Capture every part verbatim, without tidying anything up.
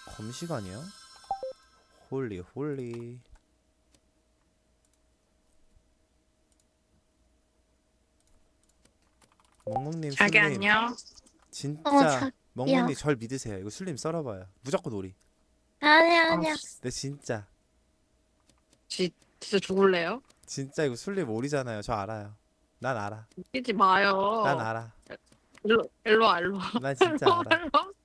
검시간이야? 홀리 홀리. 멍멍님 자기 술님 안녕. 어, 진짜 자기야. 멍멍님 절 믿으세요. 이거 술님 썰어봐요. 무조건 오리. 아니야, 아, 아니야. 네 진짜 지, 진짜 죽을래요? 진짜 이거 술님 오리잖아요. 저 알아요. 난 알아. 뛰지 난 마요. 알아. 일로, 일로 와, 일로 와. 난 일로 진짜 와, 알아. 일로 와.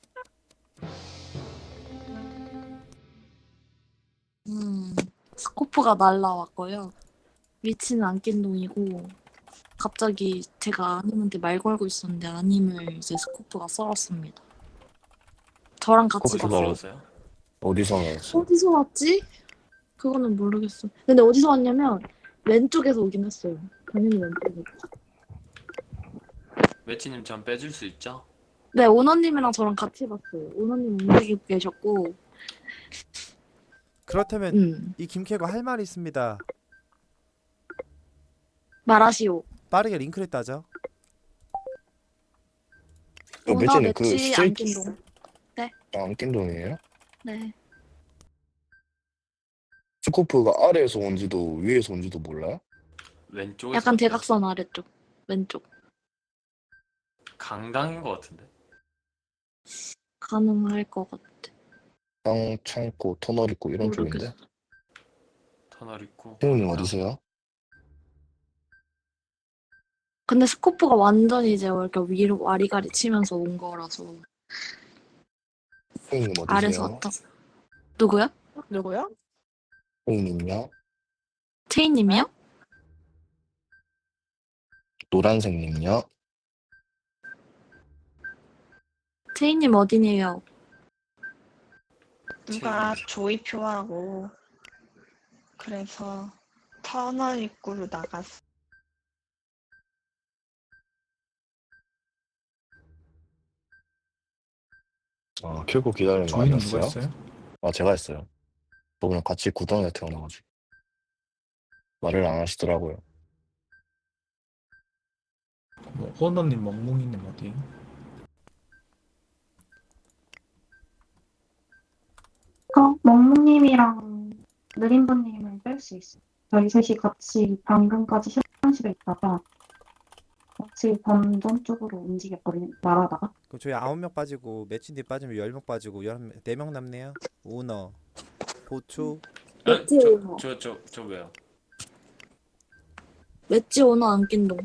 음, 스코프가 날라왔고요. 위치는 안낀동이고, 갑자기 제가 아님한테 말 걸고 있었는데 아님을 이제 스코프가 썰었습니다. 저랑 같이 스코프가 봤어요. 어디서요? 어디서 나왔어? 어디서 왔지? 그거는 모르겠어. 근데 어디서 왔냐면 왼쪽에서 오긴 했어요. 당연히 왼쪽에서. 매치님 전 빼줄 수 있죠? 네, 오너님이랑 저랑 같이 봤어요. 오너님 움직이고 계셨고, 그렇다면 음, 이 김캐거 할 말이 있습니다. 말하시오. 빠르게 링크를 따죠. 그 오너 매치님 그 매치 스트레이트 안낀동. 아, 안낀동이에요? 네. 스코프가 아래에서 온지도 위에서 온지도 몰라요? 왼쪽에서 약간 왔대요. 대각선 아래쪽. 왼쪽. 강당인 것 같은데. 가능할 것 같아. 땅 창고 터널 있고 이런 모르겠어. 쪽인데. 터널 있고. 형님 강당. 어디세요? 근데 스코프가 완전히 이제 이렇게 위로 와리가리 치면서 온 거라서 형님 아래서 어디세요? 왔다. 누구야? 누구요? 형님요? 체이님이요? 노란색님요? 체이님 어디니에요? 누가 조이표하고 그래서 터널 입구로 나갔어. 아 켜고 기다리는 거 조이는 누가 아니었어요? 했어요? 아 제가 했어요. 저번에 같이 구덩이에 태어나가지고 말을 안 하시더라고요. 뭐 호너님, 멍뭉이님 어디? 어, 멍무님이랑 느림보님을 뺄 수 있어. 저희 셋이 같이 방금까지 실험실에 있다가 같이 던전 쪽으로 움직였거든요. 말하다가. 그럼 저희 아홉 명 빠지고 매칭 뒤 빠지면 열 명 빠지고 네 명 남네요. 오너, 보초. 맷지 저, 오너. 저, 저, 저 왜요? 맷지 오너 안낀동.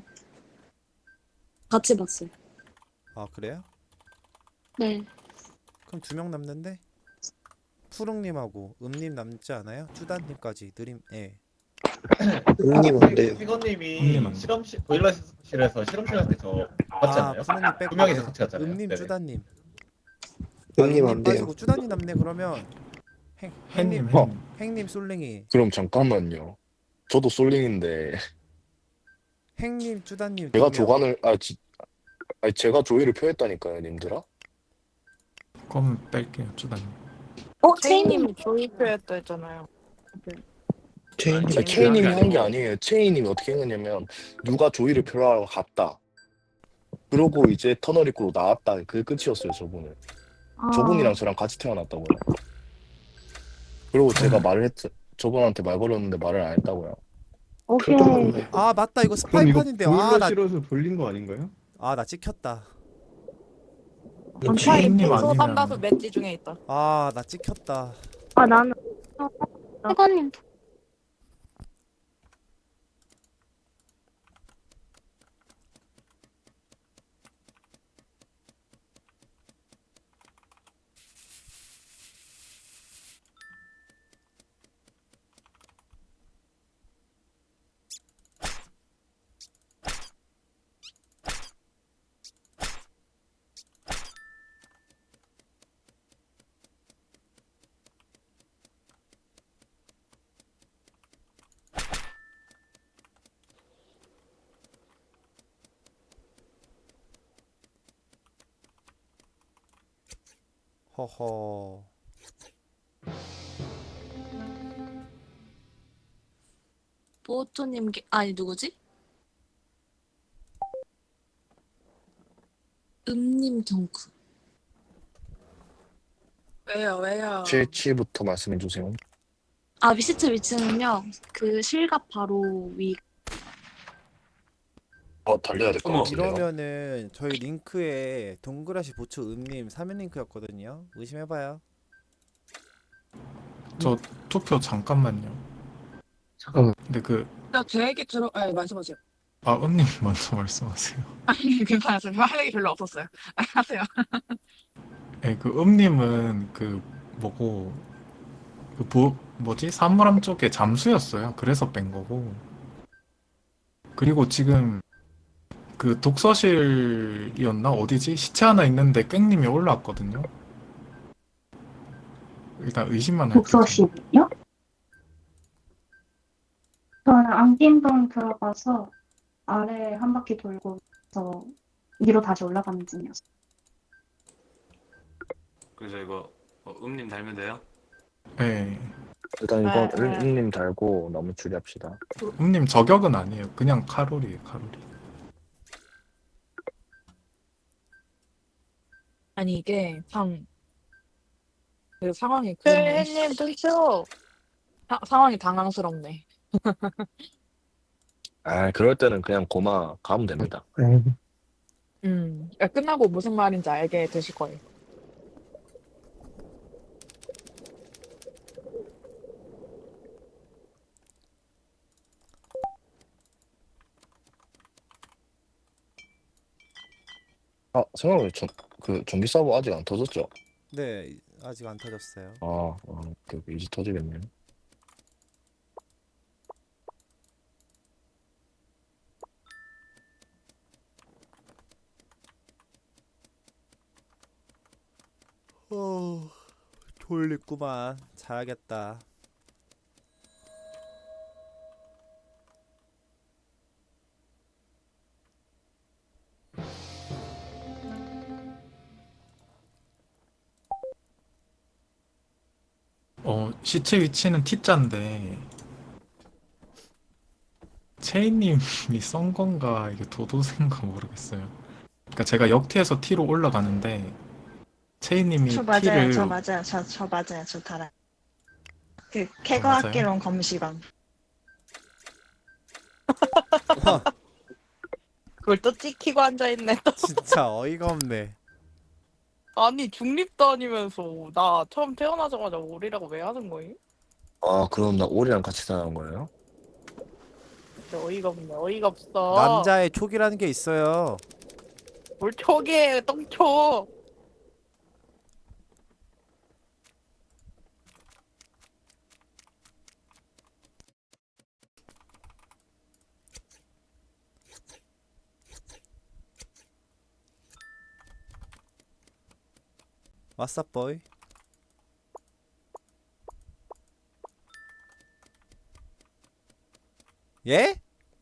같이 봤어요. 아 그래요? 네. 그럼 두 명 남는데? 푸릉님하고 음님 남지 않아요? 쭈단님까지 느림. 예. 형님 어때요? 피거님이 형님 안 돼. 실험실 보일러실에서 실험실 갈 때 저 봤지 아 않나요? 푸릉님 빼고 두 명이서 같이 갔잖아요. 음님, 네네. 쭈단님. 형님 아, 안 음님 돼요. 빠지고 쭈단님 남네. 그러면 행, 햇님, 행님, 어. 햇님. 행님 솔랭이. 그럼 잠깐만요. 저도 솔링인데 행님, 쭈단님 제가 두 명. 조간을 아 지, 아니 제가 조이를 표했다니까요, 님들아. 그럼 뺄게요, 주단님. 어, 체이님. 체이님 조이표였다 했잖아요. 체인님이 아니, 체인님이 한 게 한 게 아니고. 아니에요. 체인님이 어떻게 했냐면 누가 조이를 표하러 갔다. 그러고 이제 터널 입구로 나왔다. 그게 끝이었어요, 저분은. 아, 저분이랑 저랑 같이 태어났다고요. 그리고 제가 말을 했, 저분한테 말 걸었는데 말을 안 했다고요. 오케이. 아 맞다 이거 그럼 이거 스파이판인데. 보일러 아나 실어서 돌린 거 아닌가요? 아 나 찍혔다. 체인님 소감 아니면 봐서 맷지 중에 있다. 아 나 찍혔다. 아, 나는 회관님. 허허. 보호초님, 게- 아니 누구지? 음님 경크. 왜요 왜요? 칠칠부터 말씀해 주세요. 아 위시트 위치는요. 그 실갑 바로 위. 어, 달려야 될 것 어머. 같은데요. 이러면은 저희 링크에 동그라시 보초 음님 삼 인 링크였거든요. 의심해봐요. 저 투표 잠깐만요. 잠깐만. 근데 그, 나 제 얘기 들어. 아 말씀하세요. 아, 은님 먼저 말씀하세요. 아니 괜찮았어요. 할 얘기 별로 없었어요. 아, 하세요. 예, 그 음님은 그 뭐고 그 뭐, 뭐지? 사물함 쪽에 잠수였어요. 그래서 뺀 거고. 그리고 지금 그 독서실이었나? 어디지? 시체 하나 있는데 깽님이 올라왔거든요. 일단 의심만 할게요. 독서실이요? 저는 안긴동 들어가서 아래 한 바퀴 돌고 서 위로 다시 올라가는 중이었어요. 그래서 이거 어, 음님 달면 돼요? 예. 일단 이건 아, 아. 은님 달고 너무 줄여합시다. 음님 저격은 아니에요. 그냥 칼로리예요, 칼로리. 아니 이게 상. 그 상황이 그렇네. 혜님 눈치요. 사, 상황이 당황스럽네. 아, 그럴 때는 그냥 고마 가면 됩니다. 음. 야, 끝나고 무슨 말인지 알게 되실 거예요. 아, 생각해보니 전, 그 전기 서버 아직 안 터졌죠? 네, 아직 안 터졌어요. 아, 어, 그 이제 터지겠네요. 어, 졸립구만. 자야겠다. 어, 시체 위치는 T자인데 체이님이 썬 건가 이게 도도새인가 모르겠어요. 그러니까 제가 역티에서 T로 올라가는데 체이님이 저 맞아요. T를 저 맞아요. 저, 저 맞아요. 저 달아요. 그 맞아요? 캐거학기론 검시관. 와, 그걸 또 찍히고 앉아있네. 또. 진짜 어이가 없네. 아니 중립도 아니면서 나 처음 태어나자마자 오리라고 왜 하는 거임? 아, 그럼 나 오리랑 같이 사는 거예요? 진짜 어이가 없네. 어이가 없어. 남자의 촉이라는 게 있어요. 뭘 촉이에요. 똥촉. 왓썹 보이? 예?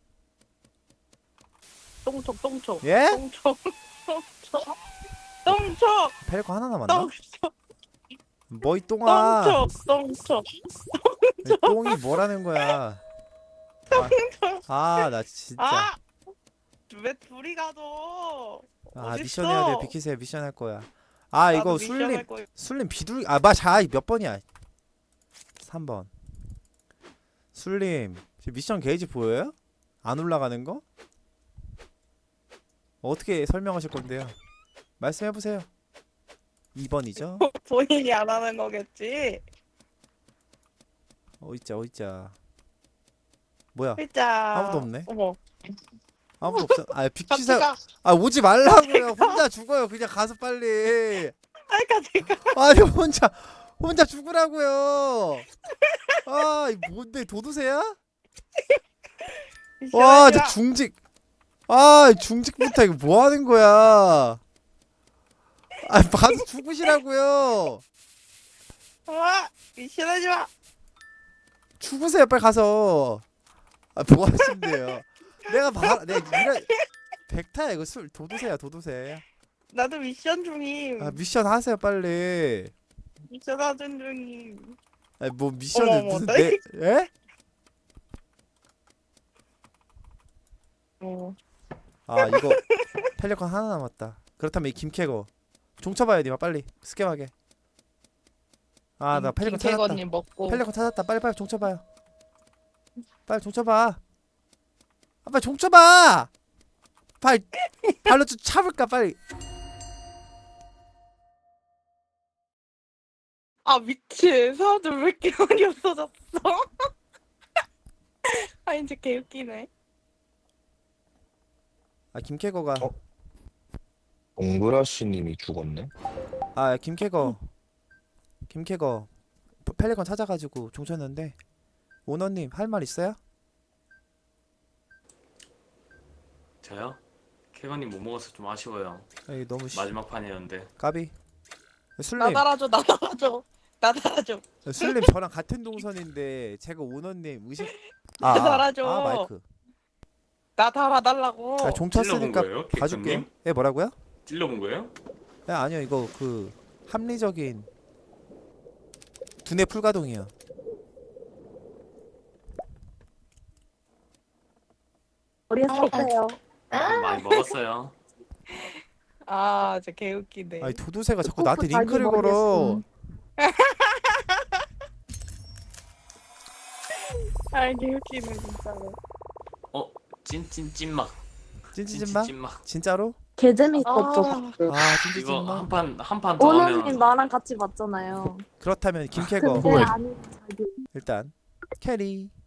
똥촉 똥촉. 예? 똥촉. 똥촉. 똥촉. 펠코 하나 남았나? 똥촉. 뭐이 똥아. 똥촉. 똥촉. 이 똥이 뭐라는 거야? 아, 나 진짜. 아! 왜 둘이 가도? 아, 어딨어? 미션 해야 돼. 비키세요. 미션 할 거야. 아, 나도 이거 미션 술림 할 거야. 술림 비둘기. 아, 맞아. 몇 번이야? 삼 번. 술림. 지금 미션 게이지 보여요? 안 올라가는 거? 어떻게 설명하실 건데요? 말씀해 보세요. 이 번이죠? 본인이 안 하는 거겠지? 어이자 어이자. 뭐야? 진짜. 아무도 없네. 어머. 아무도 없어. 아, 같이 비키사. 가. 아, 오지 말라고요. 혼자 죽어요. 그냥 가서 빨리. 아이 같이 가. 아니, 혼자 혼자 죽으라고요. 아, 이 뭔데 도도새야? 와, 저 중직. 아, 중직부터 이거 뭐 하는 거야? 아, 가서 죽으시라고요. 와 미션하지 마. 죽으세요, 빨리 가서. 아, 뭐 하신대요? 내가 봐, 내가 이런 백타야 이거 술 도도새야 도도새. 나도 미션 중임. 아, 미션 하세요 빨리. 미션 하던 중임. 아니 뭐 미션을 어머, 어머, 무슨 나 내 예? 어. 아, 이거 펠리컨 하나 남았다. 그렇다면 이 김캐거 종쳐봐야 돼, 빨리 스캠하게. 아 나 펠리컨 찾았다. 김태건님 먹고. 펠리컨 찾았다. 빨리 빨리 종쳐봐요. 빨리 종쳐봐. 아 빨리 종쳐봐. 빨리 발로 좀 차볼까 빨리. 아 미친 사람들 왜 이렇게 많이 없어졌어? 아 이제 개웃기네. 아 김캐거가. 어? 동그라시님이 죽었네. 아 김캐거. 김캐거. 펠리컨 찾아가지고 종쳤는데 오너님 할 말 있어요? 저요? 캐건님 못 먹어서 좀 아쉬워요. 에이 너무 시... 마지막 판이었는데. 까비. 나 술님. 달아줘 나 달아줘 나 달아줘. 술님 저랑 같은 동선인데 제가 오너님 의식. 아, 나 아, 달아줘. 아 마이크. 나 달아달라고. 아, 종 찔러본 쳤으니까 거예요? 봐줄게. 개콘님? 예 뭐라고요? 찔러본 거예요? 야 아니요 이거 그 합리적인 두뇌 풀가동이요. 어렸어요. 좀 많이 먹었어요. 아 진짜 개웃기네. 아니 도도새가 자꾸 나한테 자기 링크를 머리에 걸어. 아 개웃기네 진짜로. 어? 찐찐 찐막. 찐찌찐마? 찐막. 진짜로? 개 재밌었죠. 아. 방금. 아 이거 찐찌찐마? 한 판 한 판 더 오너님 하면 나랑 같이 봤잖아요. 그렇다면 김캐거 근데 뭐야? 아닌 자기. 일단 캐리.